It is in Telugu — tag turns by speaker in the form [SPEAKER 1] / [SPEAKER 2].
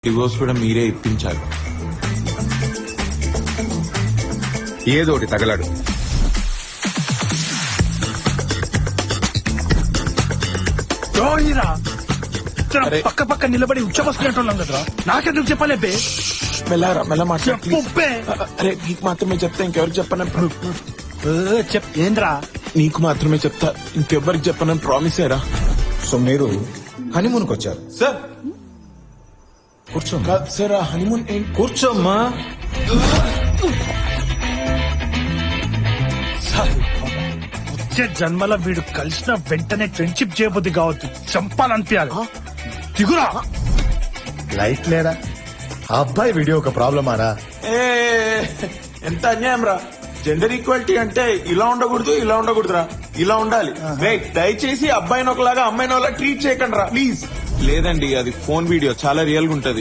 [SPEAKER 1] డివోర్స్ కూడా మీరే ఇప్పించాలి.
[SPEAKER 2] ఏదోటి తగలాడు.
[SPEAKER 1] అరే.
[SPEAKER 3] పక్క పక్క నిలబడి ఉచ్చబస్తున్నట్టున్నాం కదరా, నాకెందుకు చెప్పలేపే?
[SPEAKER 1] మెల్లరా మెల్ల మాట్లాడు
[SPEAKER 3] చెప్పు
[SPEAKER 1] please.
[SPEAKER 3] బే.
[SPEAKER 1] అరే నీకు మాత్రమే చెప్తా, ఇంకెవరికి చెప్పను.
[SPEAKER 3] ఏంద్రా?
[SPEAKER 1] నీకు మాత్రమే చెప్తా, ఇంకెవ్వరికి చెప్పనని ప్రామిస్ అయ్యరా.
[SPEAKER 4] సో మీరు హనీమూన్కి వచ్చారు.
[SPEAKER 1] సార్
[SPEAKER 4] కూర్చో
[SPEAKER 1] కాదు సార్, ఆ హనీమూన్ ఏంటి?
[SPEAKER 4] కూర్చోమ్మా.
[SPEAKER 3] వచ్చే జన్మల వీడు కలిసిన వెంటనే ఫ్రెండ్షిప్ చేయబుద్ది కావద్దు, చంపాలనిపించాలి. దిగురా.
[SPEAKER 4] లైట్ లేడా? ఆ అబ్బాయి వీడియో ఒక ప్రాబ్లమారా?
[SPEAKER 1] ఏ ఎంత అన్యాయం రా. జెండర్ ఈక్వాలిటీ అంటే ఇలా ఉండకూడదు, ఇలా ఉండకూడదురా, ఇలా ఉండాలి. రైట్, దయచేసి అబ్బాయిని ఒకలాగా అమ్మాయిని ఒకలా ట్రీట్ చేయకండి రా ప్లీజ్. లేదండి, అది ఫోన్ వీడియో చాలా రియల్ గా ఉంటది.